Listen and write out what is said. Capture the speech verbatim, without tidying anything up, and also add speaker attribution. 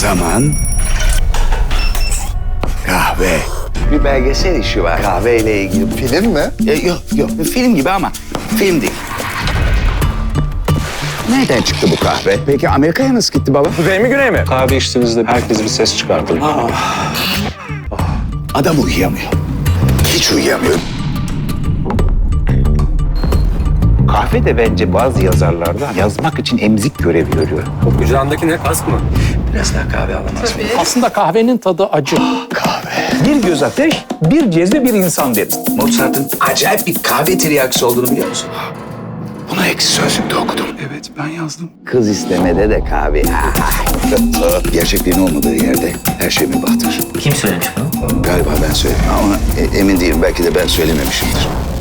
Speaker 1: zaman kahve. Bir belgesel işi var kahveyle ilgili.
Speaker 2: Film mi?
Speaker 1: E, yok yok bir film gibi ama film değil. Nereden çıktı bu kahve? Peki Amerika'ya nasıl gitti baba?
Speaker 3: Kuzey mi güney mi? Kahve içtiğinizde herkes bir ses çıkartır.
Speaker 1: Adam uyuyamıyor. Hiç uyuyamıyor. Kahve de bence bazı yazarlarda yazmak için emzik görevi görüyor.
Speaker 3: O kucağındaki ne? Kask mı?
Speaker 1: Biraz daha kahve alamaz mı?
Speaker 4: Aslında kahvenin tadı acı.
Speaker 1: Kahve.
Speaker 5: Bir göz ateş, bir cezve, bir insan deriz.
Speaker 1: Mozart'ın acayip bir kahve tiryakisi olduğunu biliyor musun? Bunu eksi sözlükte okudum. Evet, ben yazdım. Kız istemede de kahve. Gerçekliğin olmadığı yerde her şey mübahtır.
Speaker 6: Kim söylemiş bunu?
Speaker 1: Galiba ben söyledim ama e- emin değilim. Belki de ben söylememişimdir.